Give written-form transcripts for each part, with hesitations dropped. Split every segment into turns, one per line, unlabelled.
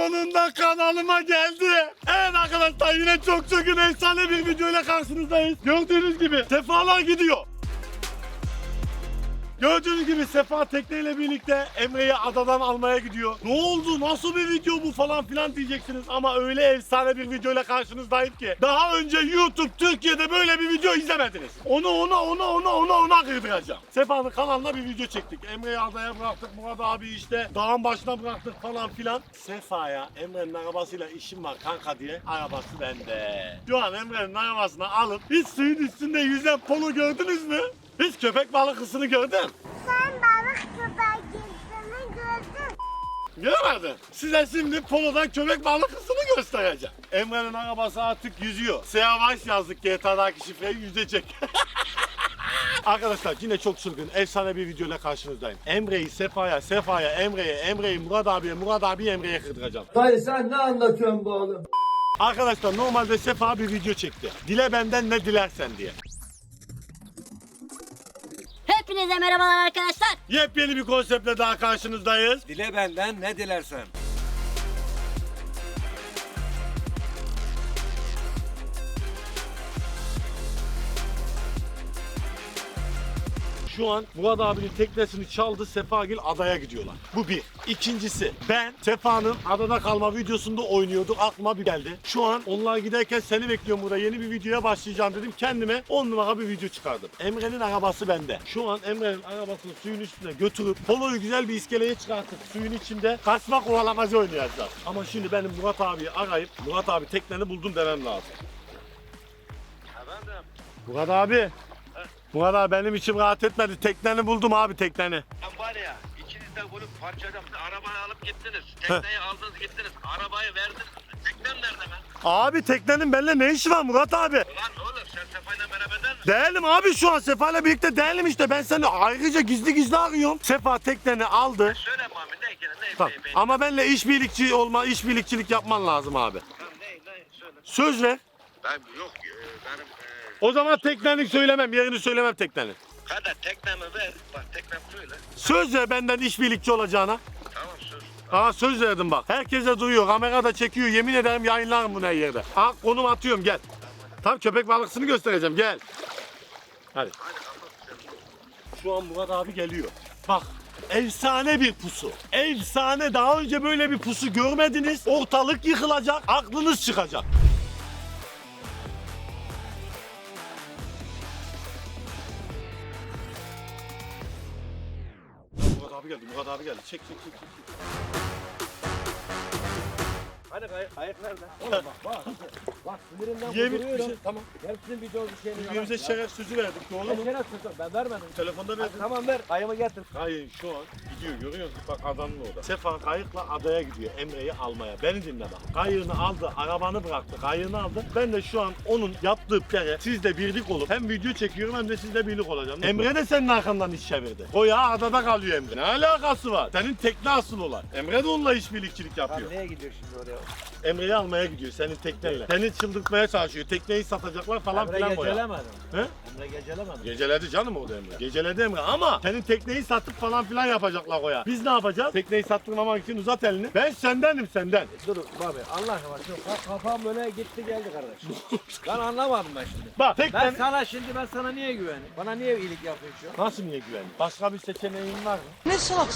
Sonunda kanalıma geldi. Evet arkadaşlar, yine çok efsane bir videoyla karşınızdayız. Gördüğünüz gibi Sefalar gidiyor. Gördüğünüz gibi Sefa tekneyle birlikte Emre'yi adadan almaya gidiyor. Ne oldu? Nasıl bir video bu falan filan diyeceksiniz ama öyle efsane bir videoyla karşınızdayım ki. Daha önce YouTube Türkiye'de böyle bir video izlemediniz. Ona kırdıracağım. Sefa'nın kanalına bir video çektik. Emre'yi adaya bıraktık. Murat abi işte dağın başına bıraktık falan filan. Sefa'ya Emre'nin arabasıyla işim var kanka diye arabası bende. Şu an Emre'nin arabasını alıp hiç suyun üstünde yüzen polo gördünüz mü? Hiç köpek balıkısını gördün.
Sen balık köpeğini gördün.
Görmedin. Size şimdi polodan köpek balıkısını göstereceğim. Emre'nin arabası artık yüzüyor. Seyavaş yazdık GTA'daki şifreyi yüzecek. Arkadaşlar yine çok çılgın, efsane bir videoyla karşınızdayım. Emre'yi Sefa'ya, Sefa'ya Emre'ye, Emre'yi Murat abiye, Murat abiyi Emre'ye kırdıracağım.
Dayı sen ne anlatıyorsun bu oğlum?
Arkadaşlar normalde Sefa bir video çekti. Dile benden ne dilersen diye.
Hepinize merhabalar arkadaşlar.
Yepyeni bir konseptle daha karşınızdayız.
Dile benden ne dilersen.
Şu an Murat abinin teknesini çaldı, Sefagil adaya gidiyorlar. Bu bir. İkincisi, ben Sefa'nın adada kalma videosunda oynuyorduk. Aklıma bir geldi. Şu an onlar giderken seni bekliyorum burada. Yeni bir videoya başlayacağım dedim. Kendime 10 numara bir video çıkardım. Emre'nin arabası bende. Şu an Emre'nin arabasını suyun üstüne götürüp poloyu güzel bir iskeleye çıkartıp suyun içinde kaçma kovalamacı oynayacağız. Ama şimdi benim Murat abiyi arayıp Murat abi tekneni buldum demem lazım.
Efendim?
Murat abi. Murat abi benim içim rahat etmedi. Tekneni buldum abi, tekneni.
Ben var ya, ikiniz de bunu parçaladım. Arabayı alıp gittiniz. Tekneyi aldınız gittiniz. Arabayı verdiniz. Teknem nerede ben?
Abi teknenin benimle ne işi var Murat abi?
Ulan oğlum sen Sefa'yla beraber misin?
Değilim abi, şu an Sefa'yla birlikte değilim işte. Ben seni ayrıca gizli arıyorum. Sefa tekneni aldı.
Söyle Mami ne ki ne
Tamam. Ama benimle işbirlikçilik yapman lazım abi.
Ne söyle.
Söz ver.
Ben yok benim
O zaman tekneni söylemem, yerini söylemem teknenin.
hadi teknemi ver. Bak teknem söyle.
Söz ver benden işbirlikçi olacağına.
Tamam söz.
Söz verdim bak. Herkese duyuyor, kamerada çekiyor. Yemin ederim yayınlarım bunu her yerde. Konum atıyorum, gel. Tam köpek balıksını göstereceğim, gel. Hadi. Şu an Murat abi geliyor. Bak, efsane bir pusu. Efsane, daha önce böyle bir pusu görmediniz. Ortalık yıkılacak, aklınız çıkacak. Murat abi geldi. Çek.
Hani kayık nerede? Oğlum bak sinirimden
Yemin
kuduruyorum.
tamam.
Hepsinin video bir şeyini
Birbirimize şeref sözü verdik, doğru mu?
Ben vermedim.
Telefonda
Hadi,
verdim.
tamam ver. Kayımı getir.
Hayır, şu an gidiyor, görüyor musun? Bak adanın orada. Sefa kayıkla adaya gidiyor Emre'yi almaya. Beni dinle bak. Kayığını aldı, arabanı bıraktı, kayığını aldı. Ben de şu an onun yaptığı plane sizle birlik olup hem video çekiyorum hem de sizle birlik olacağım. Emre de senin arkandan iş çevirdi. O ya adada kalıyor Emre. Ne alakası var? Senin tekne asıl olan. Emre de onunla işbirlikçilik yapıyor.
Neye gidiyor şimdi oraya?
Emre'yi almaya gidiyor senin tekneyle. Seni çıldırtmaya çalışıyor. Tekneyi satacaklar falan
Emre
filan boya.
gecelemedim.
He?
Emre gecelemedim.
Geceledi canım orada Emre. Geceledi Emre ama senin tekneyi satıp falan filan yapacaklar o ya. Biz ne yapacağız? Tekneyi sattırmamak için uzat elini. Ben sendenim, senden.
Dur abi Allah aşkına şu kafam böyle gitti geldi kardeşim. Ben anlamadım ben şimdi.
Bak teknen...
Ben sana niye güveneyim? Bana niye iyilik yapıyorsun?
Nasıl niye güvendin? Başka bir seçeneğin var mı?
Ben sana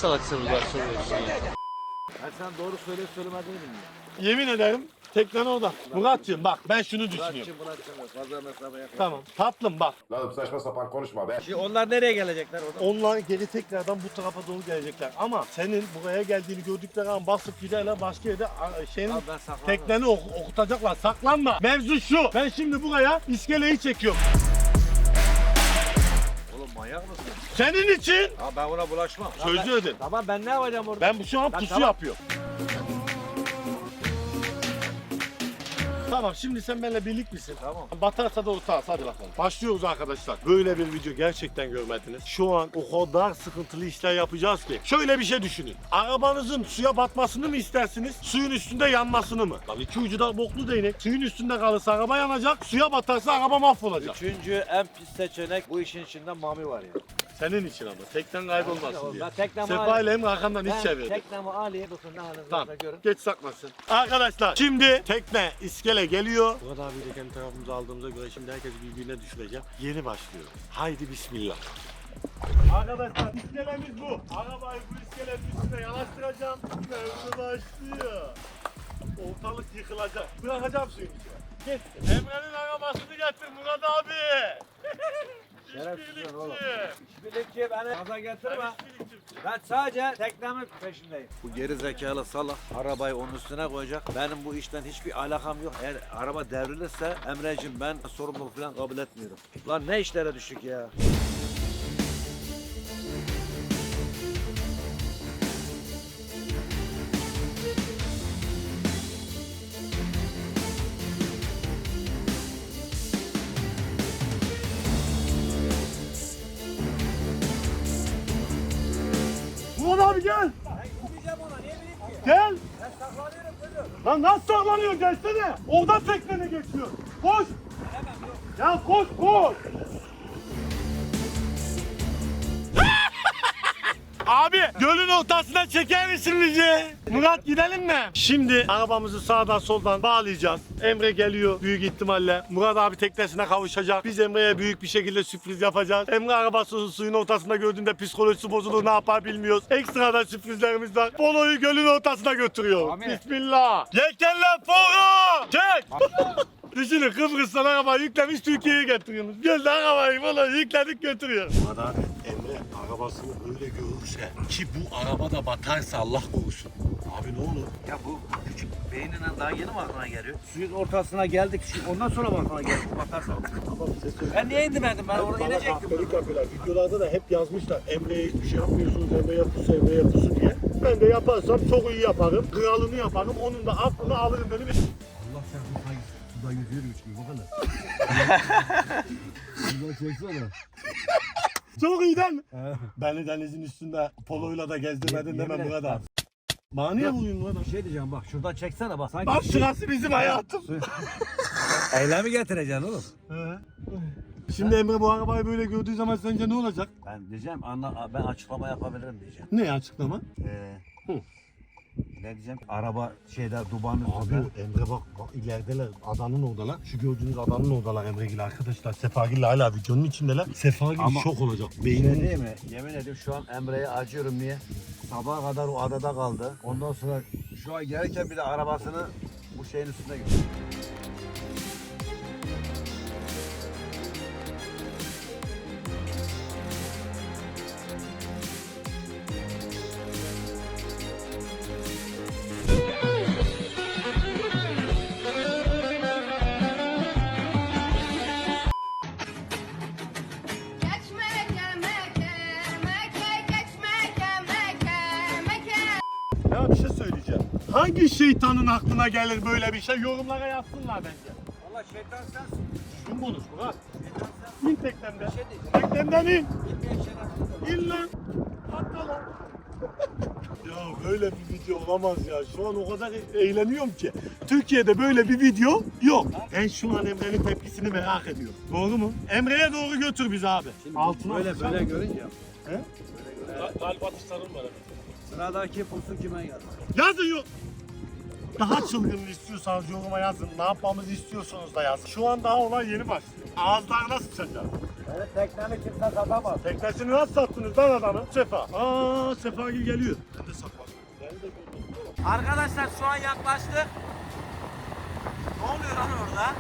doğru söylemediğini bilmiyorum.
Yemin ederim teknen orada. Muratcığım bak, ben şunu düşünüyorum.
Muratçım fazla mesafe yakın.
Tamam tatlım bak.
Lan saçma sapan konuşma be.
Şimdi onlar nereye gelecekler orada?
Onlar geri tekrardan bu tarafa doğru gelecekler. Ama senin buraya geldiğini gördükleri an basıp giderler başka yerde şeyin
Abi ben saklanırım.
tekneni okutacaklar. Saklanma. Mevzu şu. Ben şimdi buraya iskeleyi çekiyorum.
Oğlum manyak mısın?
Senin için
Ha ben ona bulaşmam.
söz ödün.
Tamam ben ne yapacağım orada?
Ben şu an
Lan
pusu
tamam.
yapıyorum. Tamam, şimdi sen benimle birlik misin?
Tamam.
Batarsa da ortağız, hadi bakalım. Başlıyoruz arkadaşlar. Böyle bir video gerçekten görmediniz. Şu an o kadar sıkıntılı işler yapacağız ki. Şöyle bir şey düşünün. Arabanızın suya batmasını mı istersiniz? Suyun üstünde yanmasını mı? Lan iki ucu da boklu değnek. Suyun üstünde kalırsa araba yanacak. Suya batarsa araba mahvolacak.
Üçüncü en pis seçenek bu işin içinde Mami var ya.
Senin için ama. Teknen kaybolmasın diye.
Ben teknemi
Sefa
alayım.
ile Emre arkamdan hiç
Ben
çevirdi.
teknemi alayım. Bakın ne haliniz
Tamam.
varsa görün.
Geç saklasın. Arkadaşlar şimdi tekne iskele geliyor. Murat abiyi de kendi tarafımıza aldığımıza göre şimdi herkes birbirine düşürecek. Yeni başlıyor. Haydi bismillah. Arkadaşlar iskelemiz bu. Arabayı bu iskelenin üstüne yanaştıracağım. Devre başlıyor. Ortalık yıkılacak. Bırakacağım suyun içine. Geç. Emre'nin arabasını getir Murat abi.
Şerefsiz oğlum.
İşbirlikçi.
İşbirlikçi beni gaza getirme.
Ben işbirlikçi.
Ben sadece teknemin peşindeyim. Bu geri zekalı salak arabayı onun üstüne koyacak. Benim bu işten hiçbir alakam yok. Eğer araba devrilirse Emre'cim ben sorumluluk falan kabul etmiyorum. Lan ne işlere düştük ya.
Murat abi gel.
Gitmeyeceğim ona niye bileyim ki?
Gel.
Ben saklanıyorum kızım.
Lan nasıl saklanıyor gelsene. Oradan teknene geçiyor. Koş. Ya koş koş. Abi gölün ortasına çeker misin bizi? Murat gidelim mi? Şimdi arabamızı sağdan soldan bağlayacağız. Emre geliyor büyük ihtimalle. Murat abi teknesine kavuşacak. Biz Emre'ye büyük bir şekilde sürpriz yapacağız. Emre arabasını suyun ortasında gördüğünde psikolojisi bozulur, ne yapar bilmiyoruz. Ekstradan sürprizlerimiz var. Polo'yu gölün ortasına götürüyor.
Amin.
Bismillah. Yelkenler Polo. Çek. Düşünün Kıbrıs'tan arabayı yüklemiş Türkiye'ye getiriyoruz. Gölde arabayı falan yükledik götürüyoruz. Murat abi Emre arabasını öyle görürse ki bu araba da batarsa Allah korusun. Abi ne olur?
Ya bu küçük beynine daha yeni mi aklına geliyor? Suyun ortasına geldik. Ondan sonra mı aklına geldi? Bakarsan.
Tamam ses söyle.
Ben niye indirmedim? Ben orada inecektim.
Kahpelik yapıyorlar. Videolarda da hep yazmışlar. Emre'ye hiçbir şey yapmıyorsunuz. Emre'ye pusu, Emre'ye pusu diye. Ben de yaparsam çok iyi yaparım. Kralını yaparım. Onun da aklını alırım benim.
Allah sen suda yüzüyormuş gibi bakana. Suda çeksene.
Çok iyi değil mi? Beni denizin üstünde poloyla da gezdirmedin deme
Yemin
Murat abi. Bana niye vuruyorsun Murat abi?
Bir şey diyeceğim bak şuradan çeksene bak. Sanki
Bak şurası bizim hayatım.
eylemi getireceksin oğlum.
Şimdi Emre bu arabayı böyle gördüğü zaman sence ne olacak?
Ben diyeceğim ben açıklama yapabilirim diyeceğim.
Ne açıklama? Hı.
Ne diyeceğim? Araba Dubai'nin
Abi
üstünde.
Emre bak ilerideler adanın oradalar. Şu gördüğünüz adanın oradalar Emre'yle arkadaşlar. Sefagil'le hala videonun içindeler. Sefagil
Ama-
şok olacak.
Şey
Beynini
değil mi? Yemin ediyorum şu an Emre'ye acıyorum niye? Sabaha kadar o adada kaldı. Ondan sonra şu an gelirken bir de arabasını bu şeyin üstüne gitti.
Ya bir şey söyleyeceğim. Hangi şeytanın aklına gelir böyle bir şey? Yorumlara yazsınlar bence.
Valla şeytan sensin.
Kim konuş Murat?
Şeytan sensin.
İn teknemden.
Bir şey diyeceğim.
Teknemden in.
Gitmeyen şeytan.
İn lan. Atla lan. Ya böyle bir video olamaz ya. Şu an o kadar eğleniyorum ki. Türkiye'de böyle bir video yok. Ben şu an Emre'nin tepkisini merak ediyorum. Doğru mu? Emre'ye doğru götür bizi abi. Altına
Böyle
atacağım.
böyle görünce.
He?
Kalp atışlarım var.
Sıradaki pusu kime geldi?
Yazın yok. Daha çılgınını istiyorsanız yoruma yazın. Ne yapmamızı istiyorsanız da yazın. Şu an daha olay yeni başlıyor. Ağızlarına sıçacağız.
Benim teknemi kimse satamaz.
Teknesini nasıl sattınız lan adamı? Sefa. Aa Sefagil geliyor. Ben de saklandım. Ben de gördüm.
Arkadaşlar şu an yaklaştık. Ne oluyor lan orada?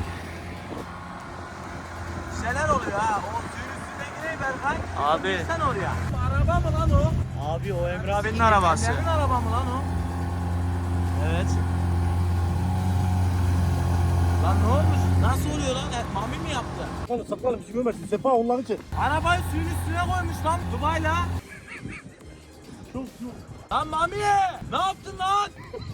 Bir şeyler oluyor ha. O suyun üstüne gireyim Berkay. Abi. Sen oraya. Araba mı lan o?
Abi o Emre abinin arabası.
Senin araba mı lan o?
Evet.
Lan ne olmuş? Nasıl oluyor lan? Mami mi yaptı?
Saklanın saklanın bizi görmesin. Sefa onları çek.
Arabayı suyun üstüne koymuş lan Dubai'la.
Çok çok.
Lan Mami! Ne yaptın lan?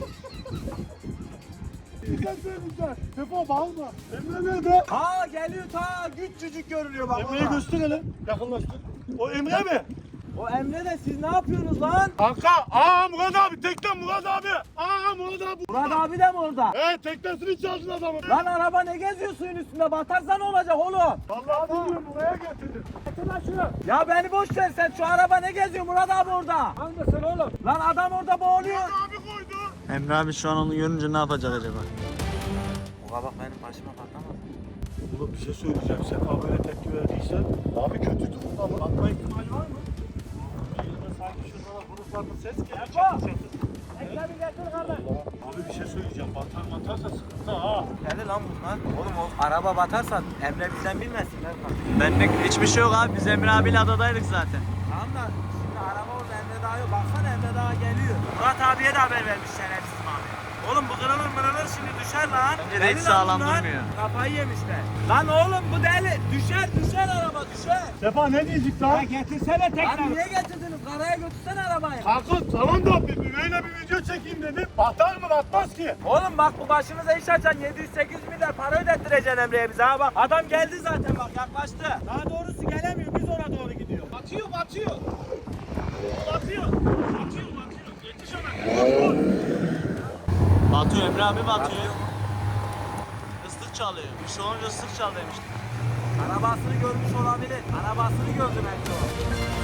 Güzel söyleyeceğim. Sefa bağırma. Emre nerede?
Ha geliyor ta küçücük görünüyor bak.
Emre'yi göster hele. Yakınlaştır. O Emre mi?
O Emre de siz ne yapıyorsunuz lan?
Kanka, Murat abi, tekne Murat abi. Murat abi.
Murat abi de mi orada?
Teknesini çaldın adamın.
Lan araba ne geziyor suyun üstünde? Batarsa ne olacak oğlum?
Vallahi bilmiyorum, buraya getirdim.
Getir lan şunu. Ya beni boş ver sen, şu araba ne geziyor Murat abi orada? Hangisini oğlum? Lan adam orada boğuluyor.
Abi koydu.
Emre abi şu an onu görünce ne yapacak acaba?
O kabak benim başıma patlamaz.
Oğlum bir şey söyleyeceğim. Sefa böyle tepki verdiyse abi kötü durumda mı? Atma ihtimali var mı? Sanki şuradan gruplardan ses geliyor.
Ekle bir getir kardeş.
Abi bir şey söyleyeceğim. Batarsa sıkıntı ha.
Deli lan bunlar. Oğlum o araba batarsa Emre bizden bilmesin lan.
Benlik hiçbir şey yok abi. Biz Emre abiyle adadaydık zaten.
Tamam da şimdi araba orada Emre Dağı yok. Baksana Emre Dağı geliyor. Murat abiye de haber vermiş şerefsiz abi. Oğlum bu kırılır şimdi düşer lan.
Bence de hiç
Deli
sağlam
lan bunlar.
durmuyor.
Kafayı yemişler. Lan oğlum bu deli. Düşer araba düşer.
Sefa ne diyecek lan?
Getirsene tekrar. Lan niye getirdiniz? Karaya götürsene arabayı.
Kanka tamam da böyle bir video çekeyim dedim. Batar mı batmaz ki?
Oğlum bak bu başınıza iş açan 700-800 milyar para ödettireceksin Emre'ye bize ha bak. Adam geldi zaten bak yaklaştı. Daha doğrusu gelemiyor biz ona doğru gidiyor. Batıyor. Yetiş ona.
Batıyor Emre abi batıyor. Islık çalıyor. Bir şey olunca ıslık çal demiştim.
Arabasını görmüş olabilir. Arabasını gördüm Emre o.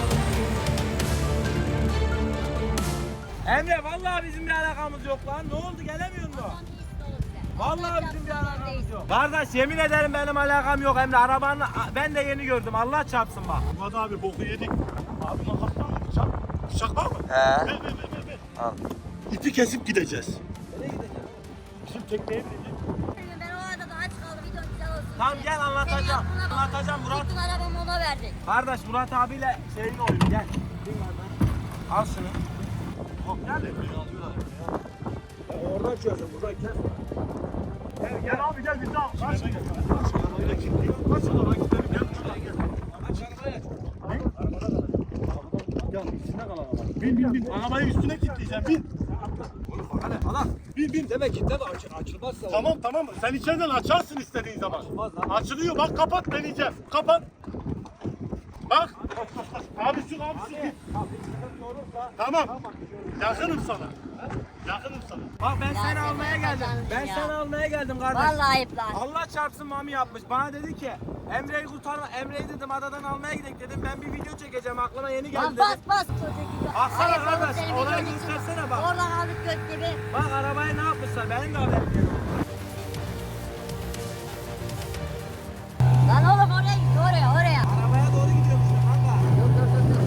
Emre vallahi bizim bir alakamız yok lan. Ne oldu gelemiyor mu? Vallahi bizim bir alakamız yok. Kardeş yemin ederim benim alakam yok Emre. Arabanı ben de yeni gördüm. Allah çarpsın bak.
Murat abi boku yedik. Abi makastan mı bıçak? Bıçak var mı?
He.
Ver.
Al.
İpi kesip gideceğiz.
Nereye gideceğiz?
Bizim tekneye bineceğiz.
Ben o arada da aç kaldım. Video güzel olsun.
Tamam gel anlatacağım. Anlatacağım Murat.
Bütün arabamı ona verdik.
Kardeş Murat abiyle şeyin oyunu gel. Bin kardeş. Al şunu.
Hop nerede?
Oradan çözün buradan kes.
Gel abi gel biz de al. Kaç gel. Kaç arabayla kilitliyor. Kaç arabaya gidelim gel. Şuradan gel.
Aç arabayı aç.
Gel üstüne kal araba. Bin. Arabayı üstüne kilitleyeceğim bin.
Hadi Allah.
Bin.
Demek ki de açılmazsa.
Tamam. Sen içeriden açarsın istediğin zaman.
Açılmaz lan.
Açılıyor bak kapat deneyeceğim. Kapat. Bak. Abi şu. Tamam. Yakınım sana.
Bak ben
Ya
seni
sen
almaya geldim.
yapacaksın
Ben
ya.
seni almaya geldim kardeş.
Vallahi ayıp lan.
Allah çarpsın mami yapmış. Bana dedi ki Emre'yi kurtarma. Emre'yi dedim adadan almaya gidelim dedim. Ben bir video çekeceğim aklıma yeni geldi
Lan
dedim.
bas çocuk gibi.
Baksana
Ayıp oğlum
kardeş,
senin
olayı
videonun için.
göstersene bak.
Oradan aldık göt gibi.
Bak arabaya ne yapmışlar benim de haberim yok.
Lan oğlum oraya git oraya.
Arabaya doğru gidiyormuş kanka.
Dur.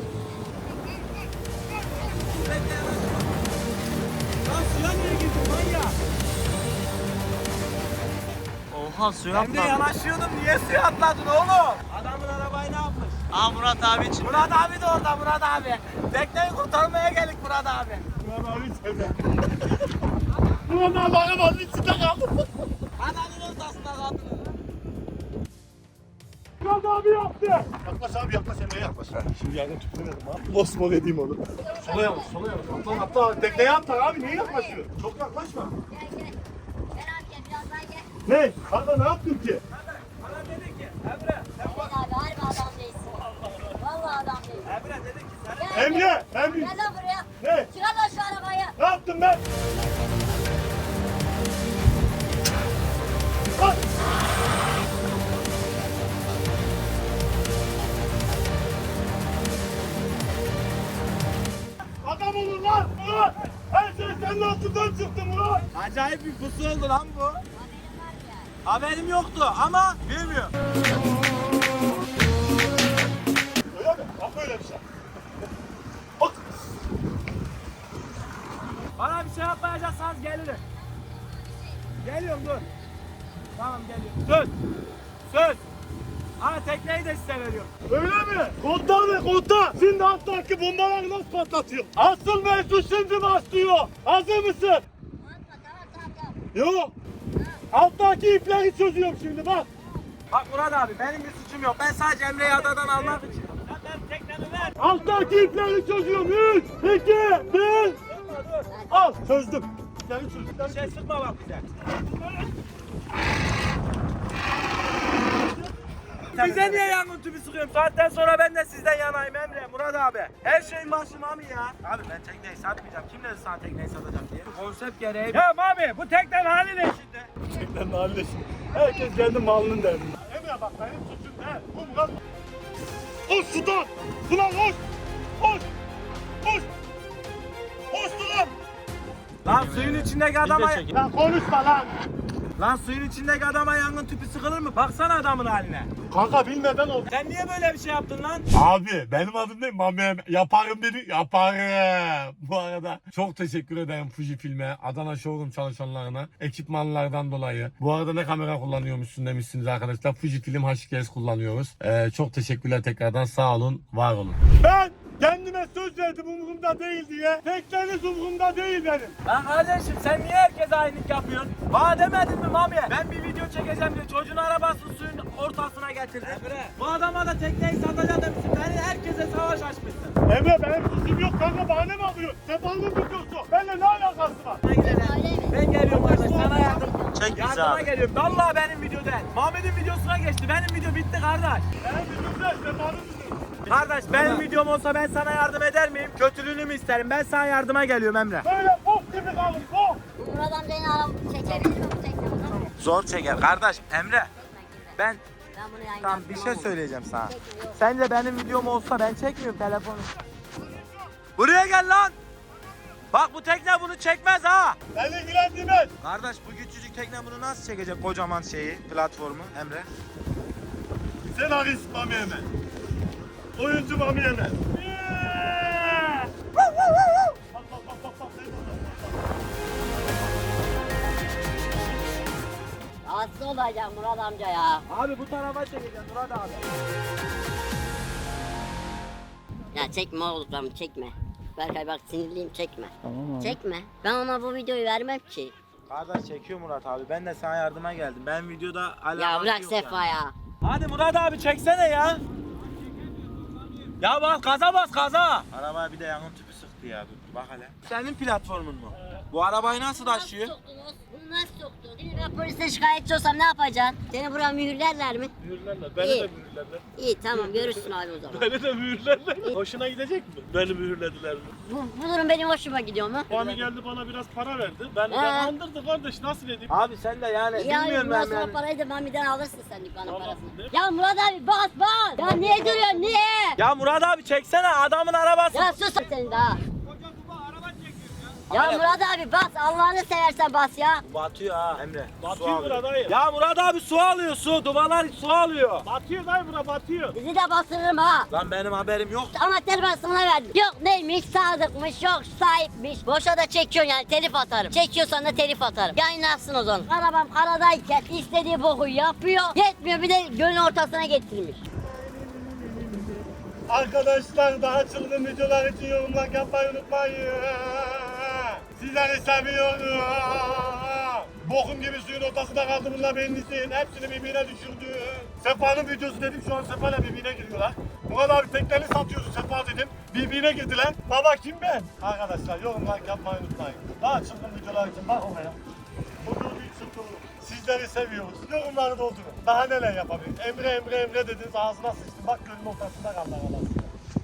Bekle yanaşma. Lan suya niye girdin manyak?
Oha suya
Ben de
atladı.
yanaşıyordum niye suya atladın oğlum? Adamın arabayı ne yapmış?
Aa Murat abi için.
Murat abi de orada Murat abi. Tekneyi kurtarmaya geldik Murat abi.
Murat abi içeride. Murat abi arabanın içinde kaldı.
Adamın ortasında kaldınız.
Murat abi yaptı. Yaklaş Emre'ye yaklaş. Şimdi yerden tüpüremedim abi. Bosmor edeyim onu. Sola yavaş. Atla. Tekneye atla abi. Niye yaklaşıyor? Çok yaklaşma.
Gel. Gel abi gel biraz daha gel.
Ne? Kanka ne yaptın ki?
Bana dedi ki Emre.
Gel abi harbi adam değilsin. Vallahi adam değilsin.
Emre dedi ki sen.
Gel.
Emre!
Gel lan buraya.
Ne?
Çıkar lan şu arabayı.
Ne yaptım ben? Lan! Adam olun lan! Murat! Her şey senin altından çıktı Murat!
Acayip bir pusu oldu lan bu. Haberim yoktu ama bilmiyorum.
Öyle mi? Bak böyle bir şey. Bak!
Bana bir şey yapmayacaksanız gelirim. Geliyorum dur. Tamam geliyorum. Söz. Ama tekneyi de size veriyorum.
Öyle mi? Kodda! Şimdi alttaki bombaları nasıl patlatıyor? Asıl mevzu şimdi başlıyor. Hazır mısın?
Tamam.
Yok. Alttaki ipleri çözüyorum şimdi bak.
Bak Murat abi benim bir suçum yok. Ben sadece Emre'yi adadan almak için. Ben teknemi ver.
Alttaki ipleri çözüyorum. 3, 2, 1. Al çözdüm. İpleri çözdüm.
Bir şey sıkma bak bize. Bize niye yangın tüpü sıkıyorsun? Saatten sonra ben de sizden yanayım Emre, Murat abi. Her şeyin başı Mami ya. Abi ben tekneyi satmayacağım. Kim dedi sana tekneyi satacağım diye? Konsept gereği. Ya Mami bu teknenin hali ne şimdi?
Gerçekten halde şimdi. Herkes kendi malının derdinde. Emre bak benim suçum ne? Bu Murat. Koş sudan! Ulan koş! Koş! Koş! Koş ulan!
Lan suyun içindeki adama...
Lan konuşma lan!
Lan suyun içindeki adama yangın tüpü sıkılır mı? Baksana adamın haline.
Kanka bilmeden oldu.
Sen niye böyle bir şey yaptın lan?
Abi benim adım ne? Mami yaparım dedi. Yaparım. Bu arada çok teşekkür ederim Fujifilm'e, Adana Showroom çalışanlarına, ekipmanlardan dolayı. Bu arada ne kamera kullanıyormuşsun demişsiniz arkadaşlar. Fujifilm HKS kullanıyoruz. Çok teşekkürler tekrardan. Sağ olun, var olun. Ben kendime söz verdim umurumda değil diye. Tekleriniz umurumda değil benim.
Lan kardeşim sen niye herkese aynılık yapıyorsun? Bana demedin mi Mami'ye? Ben bir video çekeceğim diye çocuğun arabasını suyun ortasına getirdim. Bu adama da tekneyi satacağım demişsin. Beni herkese savaş açmışsın.
Emre benim suçum yok kanka, bahane mi alıyorsun? Sefalın videosu. Benimle ne alakası var?
Ben geliyorum kardeş sana yardım.
Çek bizi
Yardıma
abi.
geliyorum. Vallahi benim video değil. Muhammed'in videosuna geçti. Benim video bitti kardeş.
Benim videomda Sefalın videosu.
Kardeş benim videom olsa ben sana yardım eder miyim? Kötülüğünü mü isterim? Ben sana yardıma geliyorum Emre.
Böyle bok gibi kalın, bok.
Murat amcanın arabası çekebilir mi bu tekne bunu?
Zor çeker kardeş. Emre ben
Ben bunu yayınladım.
tam bir şey söyleyeceğim sana. Sence benim videom olsa ben çekmiyorum telefonu. Buraya gel lan. Bak bu tekne bunu çekmez ha.
Beni ilgilendirmez.
Kardeş bu küçücük tekne bunu nasıl çekecek kocaman şeyi, platformu Emre?
Senarist Mami Emel. Oyuncu Mami Emel.
Rahatsız olacak Murat amca ya.
Abi bu tarafa çekeceğim Murat abi.
Ya çekme oğlum, çekme. Berkay bak sinirliyim, çekme. Tamam abi. Çekme. Ben ona bu videoyu vermem ki.
Kardeş çekiyor Murat abi. Ben de sana yardıma geldim. Ben videoda alakası
Ya bırak
yok
Sefa
yani.
ya.
Hadi Murat abi çeksene ya. Ya bak gaza bas gaza. Arabaya bir de yangın tüpü sıktı ya. Dur bak hele. Senin platformun mu? Bu arabayı nasıl taşıyor?
Nasıl soktunuz? Bunu nasıl soktun? Şimdi ben polise şikayetçi olsam ne yapacaksın? Seni buraya mühürlerler mi?
Mühürlerler.
İyi.
Beni de mühürlerler.
İyi tamam görürsün abi o zaman.
Beni de mühürlerler. Hoşuna gidecek mi? Beni mühürlediler mi?
Bu durum benim hoşuma gidiyor mu?
Mami geldi bana biraz para verdi. Ben kandırdı kardeş, nasıl edeyim?
Abi sen de yani
Ya
bilmiyorum
bundan
ben
sonra
yani.
parayı da Mami'den alırsın sen dükkanın
Tamam,
parasını.
ne?
Ya Murat abi bas bas. Ya niye duruyorsun niye?
Ya Murat abi çeksene adamın arabası.
Ya sus sen daha. Ya Murat abi bas Allah'ını seversen bas ya.
Batıyor ha Emre.
Batıyor bura dayı.
Ya Murat abi su alıyor su. Duvarlar su alıyor.
Batıyor dayı, bura batıyor.
Bizi de bastırırım ha.
Lan benim haberim yok.
Anahtarı ben sana verdim. Yok neymiş sadıkmış yok sahipmiş. Boşa da çekiyorsun yani telif atarım. Çekiyorsan da telif atarım. Yayınlarsın o zaman. Arabam karadayken istediği boku yapıyor. Yetmiyor bir de gölün ortasına getirmiş.
Arkadaşlar daha çılgın videolar için yorumlar yapmayı unutmayın. Sizleri seviyorum. Bokum gibi suyun ortasında kaldı bunlar benim isteyin. Hepsini birbirine düşürdü. Sefa'nın videosu dedim, şu an Sefa'yla birbirine giriyorlar. Murat abi tekneni satıyorsun Sefa dedim. Birbirine girdiler. Baba kim ben? Arkadaşlar yorumlar yapmayı unutmayın. Daha çılgın videolar için bak oraya. Bu gördüğün çılgınlık. Sizleri seviyoruz. Yorumları doldurun. Daha neler yapabiliriz? Emre dediniz, ağzına sıçtım. Bak gölün ortasında kaldı arkadaşlar.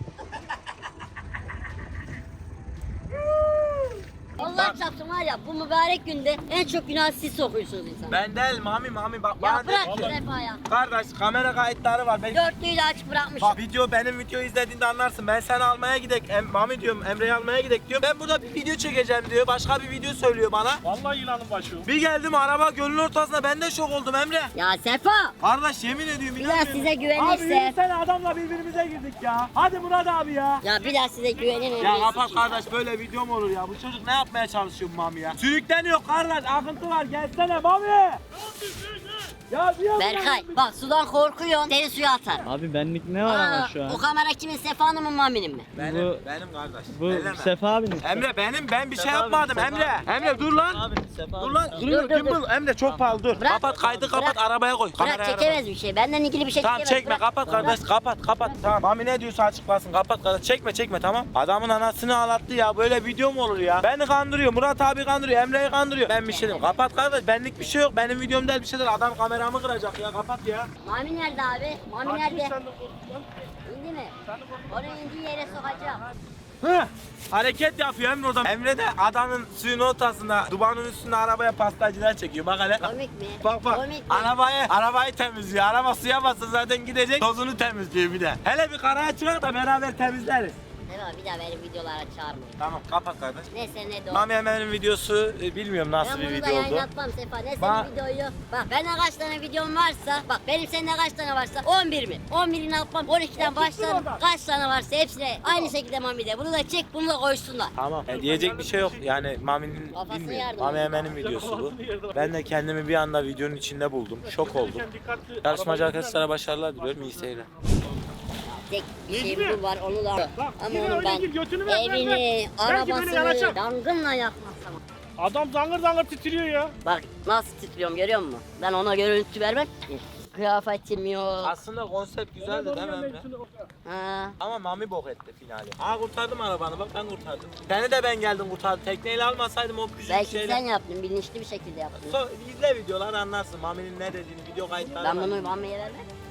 Allah çarpsın var ya bu mübarek günde en çok günah siz sokuyorsunuz insana.
Ben değil Mami bak
Ya
bana
bırak
dedi
şu
ki.
Sefa ya.
Kardeş kamera kayıtları var. Ben...
Dörtlüğü de açık bırakmış.
Bak benim videoyu izlediğinde anlarsın. Ben seni almaya gidek. Mami diyorum Emre'yi almaya gidek diyor. Ben burada bir video çekeceğim diyor. Başka bir video söylüyor bana.
Vallahi yılanın başı.
Bir geldim araba gölün ortasında ben de şok oldum Emre.
Ya Sefa.
Kardeş yemin ediyorum
Bir daha
inanmıyorum.
size
Abi
güvenirse.
yürüsene adamla birbirimize girdik ya. Hadi Murat abi ya.
Ya bir daha size güvenin.
Ya kapat kardeş böyle video mu olur ya? Bu çocuk ne yapmaya çalışıyor bu Mami ya? Sürükleniyor kardeş akıntı var gelsene Mami. Ya bir
Berkay bak sudan korkuyorsun seni suya atar.
Abi benlik ne var ama şu an?
O kamera kimin Sefa'nın mı Mami'nin mi?
Benim kardeş.
Bu
Elleme.
Sefa abinin.
Emre ben bir şey
Sefa abi,
yapmadım
Sefa
Emre.
abi.
Emre dur lan.
Abinin Sefa
Dur
abinin.
lan kırıyor
dur,
gimbal. Emre çok pahalı dur.
Bırak.
Kapat kaydı kapat
Bırak.
arabaya koy.
Bırak
Kameraya
çekemez bir şey. Benden ilgili bir şey
Tamam
çekemez.
çekme
Bırak.
kapat kardeş kapat. Tamam Mami ne diyorsa açıklasın kapat kardeş. Çekme tamam. Adamın anasını ağlattı ya böyle video mu olur ya? Beni kandırıyor Murat abi kandırıyor Emre'yi kandırıyor. Ben bir şey diyeyim kapat kardeş benlik bir şey yok. Benim videom değil bir şey değil. Adam kamera kameramı kıracak ya, kapat ya.
Mami nerede abi? Mami
Kaçmış
nerede?
sen de korkutun lan.
İndi mi?
Sen de korkutun.
Onu indiği yere sokacağım.
Hı. Hareket yapıyor Emre orada. Emre de adanın suyun ortasında, dubanın üstünde arabaya pastacılar çekiyor. Bak hele.
Komik mi?
Bak bak.
Komik mi?
Arabayı temizliyor. Araba suya bassa zaten gidecek. Tozunu temizliyor bir de. Hele bir karaya çıkar da beraber temizleriz.
Değil mi? Bir daha benim videolara çağırmayın.
Tamam kapat kardeş.
Neyse ne de o.
Mami Emel'in videosu bilmiyorum nasıl
Ben
bir
bunu da
video oldu.
yayınlatmam Sefa. Ne
Ba-
senin videoyu? Bak bende kaç tane videom varsa, bak benim seninle kaç tane varsa 11 mi? 11'ini yapmam, 12'den başlarım. Kaç tane varsa hepsine aynı şekilde Mami'de. Bunu da çek, bunu da koysunlar.
Tamam. Diyecek bir şey yok. Yani Mami'nin
Kafasını
bilmiyorum.
yardım
Mami
edin.
Emel'in videosu bu. Ben de kendimi bir anda videonun içinde buldum. Şok oldum.
Dikkatli.
Yarışmacı arkadaşlara başarılar diliyorum. İyi seyirler.
Tek bir şey
Necmi.
bu var, onu da.
Bak,
Ama
yine
onu
öyle
ben
gir, götünü ver, ver,
evini,
ver. Belki beni
arabasını
yanacak.
yangınla yakmazsam.
Adam zangır zangır titriyor ya.
Bak nasıl titriyorum görüyor musun? Ben ona görüntü vermem ki. Kıyafetim yok.
Aslında konsept güzeldi değil mi Emre?
Ha.
Ama Mami bok etti finali. Aa kurtardım arabanı bak ben kurtardım. Seni de ben geldim kurtardım. Tekneyle almasaydım o küçük
Belki
şeyle.
sen yaptın, bilinçli bir şekilde yaptın.
İzle videoları anlarsın Mami'nin ne dediğini, video kayıtları
Ben
var.
bunu Mami'ye vermem.